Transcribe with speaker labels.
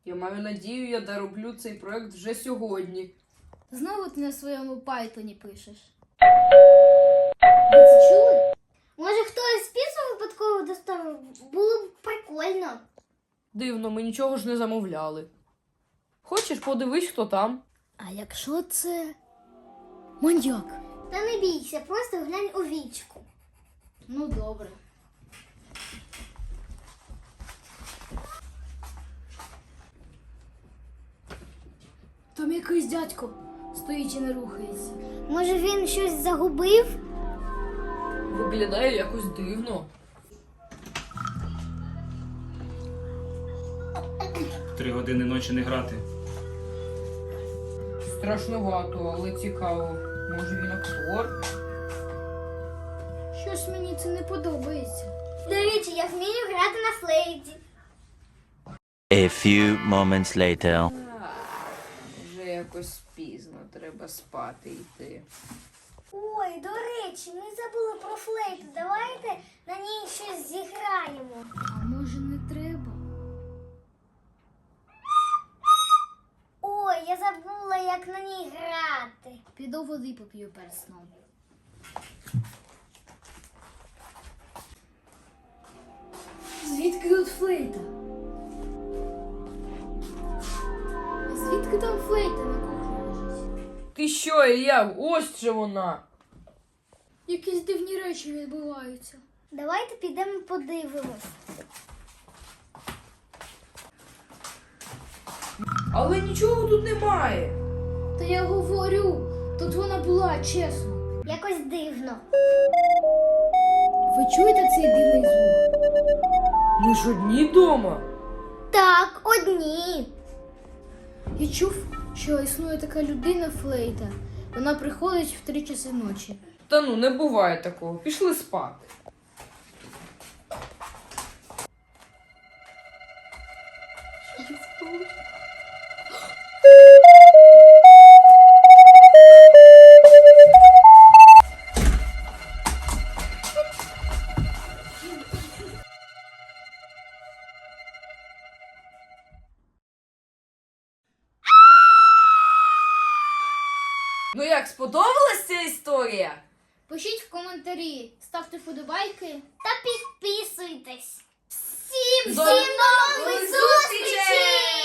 Speaker 1: Я маю надію, я дороблю цей проект вже сьогодні.
Speaker 2: Знову ти на своєму Python пишеш. Ви це чули?
Speaker 3: Може, хтось піцу випадково доставив? Було б прикольно.
Speaker 1: Дивно, ми нічого ж не замовляли. Хочеш, подивись, хто там?
Speaker 2: А якщо це маньяк?
Speaker 3: Та не бійся, просто глянь у вічку.
Speaker 2: Ну добре. Там якийсь дядько стоїть і не рухається.
Speaker 3: Може, він щось загубив?
Speaker 1: Виглядає якось дивно.
Speaker 4: Три години ночі не грати.
Speaker 1: Страшновато, але цікаво. Може він актор?
Speaker 2: Щось мені це не подобається.
Speaker 3: До речі, я вмію грати на флейті.
Speaker 5: A few moments later.
Speaker 1: Вже якось пізно, треба спати йти.
Speaker 3: Ой, до речі, ми забули про флейту. Давайте на ній щось зіграємо.
Speaker 2: А може не треба?
Speaker 3: Ой, я забула, як на ній грати.
Speaker 2: Піду води поп'ю перед сном. Звідки тут флейта? Звідки там флейта на кухні лежить?
Speaker 1: Ти що, Ілля? Ось же вона!
Speaker 2: Якісь дивні речі відбуваються.
Speaker 3: Давайте підемо подивимось.
Speaker 1: Але нічого тут немає.
Speaker 2: Та я говорю, тут вона була, чесно.
Speaker 3: Якось дивно.
Speaker 2: Ви чуєте цей дивний звук?
Speaker 1: Ми ж одні дома.
Speaker 3: Так, одні.
Speaker 2: Я чув, що існує така людина флейта. Вона приходить в 3 часи ночі.
Speaker 1: Та ну, не буває такого. Пішли спати. Ну як, сподобалась ця історія?
Speaker 2: Пишіть в коментарі, ставте вподобайки.
Speaker 3: Та підписуйтесь. Всім
Speaker 1: До
Speaker 3: нових зустрічей!